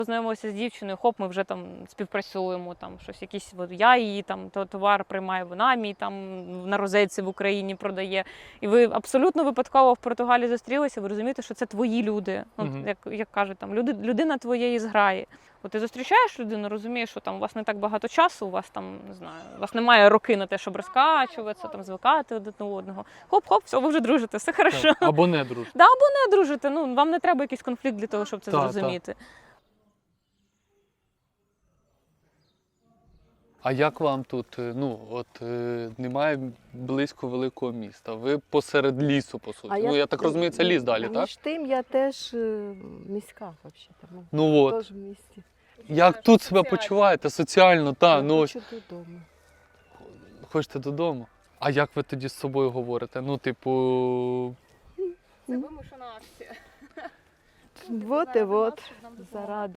Познайомилися з дівчиною, хоп, ми вже там співпрацюємо, там щось якісь, я її там товар приймаю, вона мій там на розетці в Україні продає. І ви абсолютно випадково в Португалії зустрілися, ви розумієте, що це твої люди. Як кажуть, там людина твоєї зграї. От ти зустрічаєш людину, розумієш, що там у вас не так багато часу, у вас там, не знаю, у вас немає роки на те, щоб розкачуватися, там звикати один до одного. Хоп-хоп, все, ви вже дружите, все хорошо. Так, або не дружите. Да, або не дружите. Ну, вам не треба якийсь конфлікт для того, щоб це зрозуміти. А як вам тут, немає близько великого міста, ви посеред лісу, по суті. Я так розумію, це ліс далі, так? Між тим, я теж міська, взагалі. Ну от. Теж в місті. Як тут себе почуваєте? Соціально, так. Я хочу додому. Хочете додому? А як ви тоді з собою говорите? Ну, типу... Це вимушена акція. Вот і вот, заради.